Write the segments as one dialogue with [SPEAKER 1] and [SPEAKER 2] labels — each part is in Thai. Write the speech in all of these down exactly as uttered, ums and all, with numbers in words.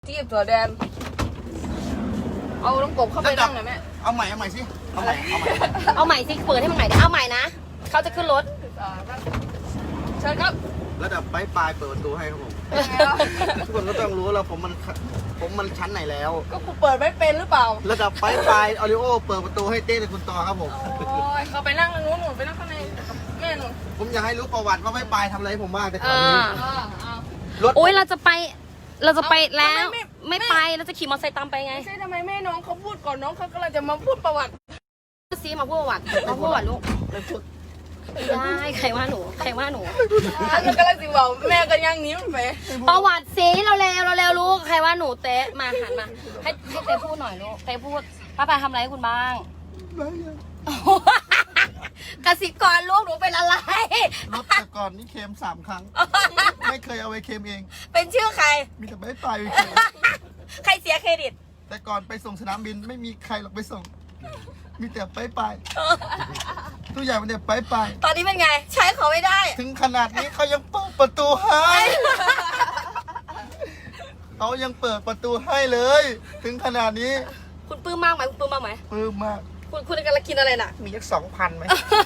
[SPEAKER 1] จีบตัวแดนเอาน้องกบเข้าไปนั่งหน่อยแม่
[SPEAKER 2] เอาใหม่เอาใหม่สิเอาใหม่เอาใหม่
[SPEAKER 3] เอาใหม่สิเปิดให้มันใหม่ดิเอาใหม่นะเขาจะขึ้นรถ
[SPEAKER 1] เชิญครับ
[SPEAKER 2] ระดับปลายปลายเปิดประตูให้ครับผมทุกคนก็ต้องรู้แล้วผมมันผมมันชั้นไหนแล้ว
[SPEAKER 1] ก็กูเปิดไม่เป็นหรือเปล่า
[SPEAKER 2] ระดับปลายปลายออริโอเปิดประตูให้เต้กับคุณต่อครับผม
[SPEAKER 1] โอ้ยเขาไปนั่งตรงนู้นหนูไปนั่งข้างในแม่หนู
[SPEAKER 2] ผมอยากให้รู้ประวัติว่าปลายปลายทำอะไรผมบ้างแต่ตอนนี้
[SPEAKER 3] รถโอ้ยเราจะไปเราจะไปแล้วไม่ไปเราจะขี่มอเตอร์ไซค์ตามไปไง
[SPEAKER 1] ไม่ใช่ทำไมแม่น้องเขาพูดก่อนน้องเขากำลังจะมาพูดประวัติ
[SPEAKER 3] ซีมาพูดประวัติมาพูดประวัติลูกได้ใครว่าหนูใครว่าหนู
[SPEAKER 1] แล้วก็เลยสิบอกแม่ก็ยังนิ้วไป
[SPEAKER 3] ประวัติซีเราเร็วเราเร็วลูกใครว่าหนูเตะมาหันมาให้ให้เตะพูดหน่อยลูกเตะพูดป้าปาทำอะไรให้คุณบ้างกสิกรลูกหนูเป็นอะไร
[SPEAKER 2] รถแต่ก่อนนี่เค็มสามครั้งไม่เคยเอาไปเค็มเอง
[SPEAKER 3] เป็นชื่อใคร
[SPEAKER 2] มีแต่ไม่ไป
[SPEAKER 3] ใครเสียเครดิต
[SPEAKER 2] แต่ก่อนไปส่งสนามบินไม่มีใครหรอกไปส่งมีแต่ไปไปทุกอย่างมันเนี่ยไปไป
[SPEAKER 3] ตอนนี้เป็นไงใช้เขาไม่ได้
[SPEAKER 2] ถึงขนาดนี้เขายังเปิดประตูให้เขายังเปิดประตูให้เลยถึงขนาดนี้
[SPEAKER 3] คุณปลื้มมากไหมคุณปลื้มมากไหม
[SPEAKER 2] ปลื้มมาก
[SPEAKER 3] คุณคุณกำลังกินอะไรน่ะ
[SPEAKER 2] มีสักสองพันไหม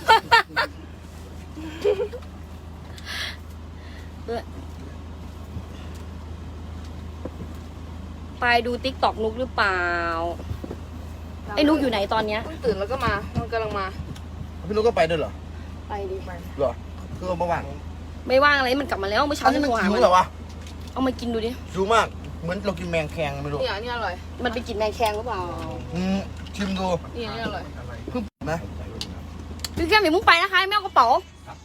[SPEAKER 3] ไปดูติ๊กตอกนุกหรือเปล่าไอ้นุกอยู่ไหนตอนเนี้ย
[SPEAKER 1] ตื่นแล้วก็มามันกำลังมา
[SPEAKER 2] พี่นุกก็ไปด้วยเหรอ
[SPEAKER 3] ไปดิไป
[SPEAKER 2] เหรอคือเมื่อวาน
[SPEAKER 3] ไม่ว่างอะไรมันกลับมาแล้วเมื่อเช้า
[SPEAKER 2] นี่มันหิวเหรอวะ
[SPEAKER 3] เอามากินดูดิ
[SPEAKER 2] หิวมากเหมือนเรากินแมงแคงไม่รู้
[SPEAKER 1] เนี่ยนี่อร่อย
[SPEAKER 3] มันไปกินแมงแคงหรือเปล่า
[SPEAKER 2] อืมชิมดู
[SPEAKER 1] นี่นี่อร่อย
[SPEAKER 2] เพิ่งนะ
[SPEAKER 3] พี่แก้มอย่ามุ่งไปนะคะไม่เอากระเป๋า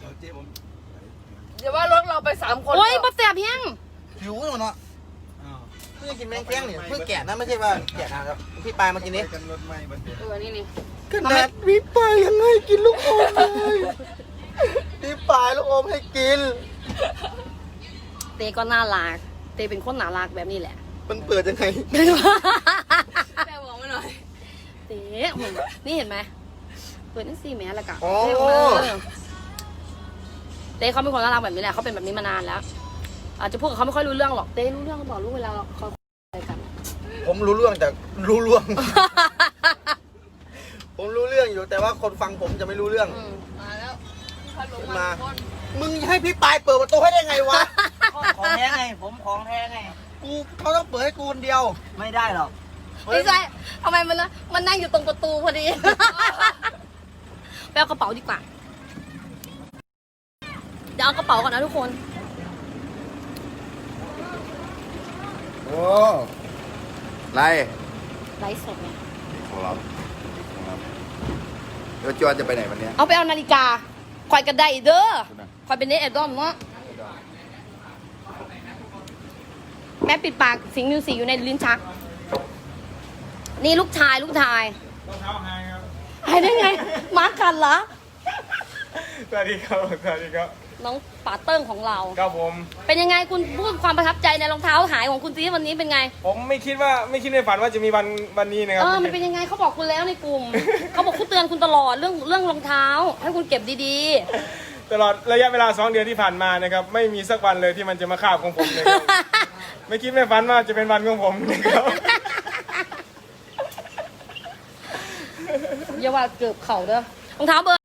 [SPEAKER 1] เดี๋ยวว่ารถเราไปสามคน
[SPEAKER 3] โอ้ยบะเสียบยัง
[SPEAKER 2] หิวเลยเนาะเพิ่งกินแมงแคงเนี่ยเพิ่งแกะนะไม่ใช่ว่าแกะนะครับพี่ปลายมากินนี้
[SPEAKER 1] เออนี่นี่
[SPEAKER 2] ขนาดพี่ปลายยังให้กินลูกอมเลยพี่ปลายลูกอมให้กิน
[SPEAKER 3] เต้ก็น่ารักเต้เป็นคนน่ารักแบบนี้แหละ
[SPEAKER 2] มันเปิดยังไง
[SPEAKER 1] แม่บอกมาหน่อย
[SPEAKER 3] เต้นี่เห็นไหมเปิดนั่นสิแม่ละกะเต้เขาเป็นคนน่ารักแบบนี้แหละเขาเป็นแบบนี้มานานแล้วอาจจะพูดกับเขาไม่ค่อยรู้เรื่องหรอกเต้รู้เรื่องบอกรู้เวลาเขาอะไรกัน
[SPEAKER 2] ผมรู้เรื่องแต่รู้เรื่องผมรู้เรื่องอยู่แต่ว่าคนฟังผมจะไม่รู้เรื่อง
[SPEAKER 1] มาแล้ว
[SPEAKER 2] มามึงให้พี่ปายเปิดประตูให้ได้ไงวะ
[SPEAKER 4] ของแท้ไงผมของแท้ไง
[SPEAKER 2] กูเขาต้องเปิดให้กูคนเดียว
[SPEAKER 4] ไม่ได้หรอก
[SPEAKER 3] ไม่ใช่ทำไมมันนะมันนั่งอยู่ตรงประตูพอดีไปเอากระเป๋าดีกว่าเดี๋ยวเอากระเป๋าก่อนนะทุกคน
[SPEAKER 2] โอ้ไร
[SPEAKER 3] ไลฟ์สดไง
[SPEAKER 2] ของเราของเราเดี๋ยวจวนจะไปไหนวันนี้
[SPEAKER 3] เอาไปเอานาฬิกาคอยกระไดเด้อคอยเป็นเนสแอดดอมเนาะแม่ปิดปากสิงห์มิวสิกอยู่ในลิ้นชักนี่ลูกชายลูกชาย
[SPEAKER 5] รองเท้าหายครับ
[SPEAKER 3] หายได้ไงมาร์คกันเหรอ
[SPEAKER 5] สวัสดีครับสวัสดีครับ
[SPEAKER 3] น้องป๋าเติ้งของเรา
[SPEAKER 5] ครับผม
[SPEAKER 3] เป็นยังไงคุณพูดความประทับใจในรองเท้าหายของคุณซีวันนี้เป็นไง
[SPEAKER 5] ผมไม่คิดว่าไม่คิดในฝันว่าจะมีวันวันนี้นะครับ
[SPEAKER 3] เออมันเป็นยังไงเขาบอกคุณแล้วในกลุ่ม เขาบอกคุณเตือนคุณตลอดเรื่องเรื่องรองเท้าให้คุณเก็บดี
[SPEAKER 5] ๆตลอดระยะเวลาสองเดือนที่ผ่านมานะครับไม่มีสักวันเลยที่มันจะมาคาบของผมเลย ไม่คิดไม่ฝันว่าจะเป็นวันของผมนะครับ
[SPEAKER 3] อย่าว่าเกือบเข่าเด้อรองเท้าเบอร์